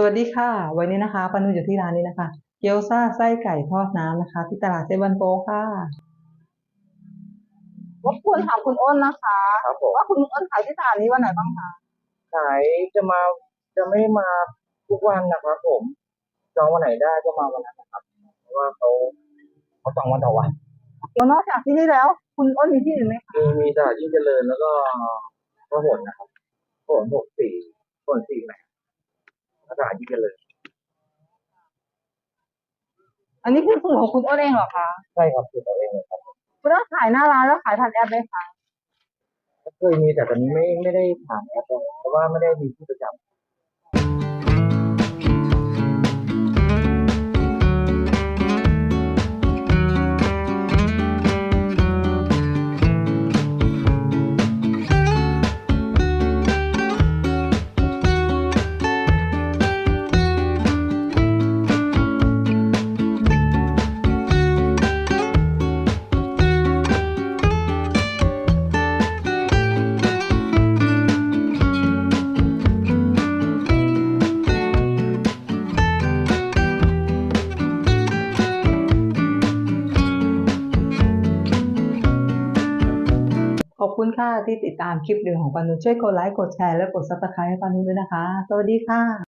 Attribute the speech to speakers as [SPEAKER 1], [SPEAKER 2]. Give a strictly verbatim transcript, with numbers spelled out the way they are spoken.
[SPEAKER 1] วัสดีค่ะวันนี้นะคะปานุอยู่ที่ร้านนี้นะคะเกี๊ยวซ่าไส้ไก่ทอดน้ำนะคะที่ตลาดเซบันโปค่ะ
[SPEAKER 2] รบกวนถามคุณอ้นนะคะ
[SPEAKER 3] ครับผม
[SPEAKER 2] ว่าคุณอ้นขายที่ตลาดนี้วันไหนบ้างคะ
[SPEAKER 3] ขายจะมาจะไม่มาทุกวันนะครับผมจองวันไหนได้ก็มาวันนั้นนะครับเพราะว่าเขาเขาจองวันต่อวัน
[SPEAKER 2] แล้วนอกจากที่นี่แล้วคุณอ้นมีที่อื่นไหมคะ
[SPEAKER 3] มีมีตลาดยิ่งเจริญแล้วก็พหลนะครับพหลหกสี่พหลสี่แหละตลาดยิ่งเจริญ
[SPEAKER 2] อันนี้คือสูตรของคุณอ้นเองเหรอคะ
[SPEAKER 3] ใช่ครับคือตัวเองเลยครับ
[SPEAKER 2] คุณอ้นขายหน้าร้านแล้วขายผ่านแอปไหมคะ
[SPEAKER 3] เคยมีแต่ตอนนี้ไม่ไม่ได้ผ่านแอปแล้วเพราะว่าไม่ได้มีที่ประจำ
[SPEAKER 1] ขอบคุณค่ะที่ติดตามคลิปวิดีโอของปานุช่วยกดไลค์กดแชร์และกดซับสไครต์ให้ปานุด้วยนะคะสวัสดีค่ะ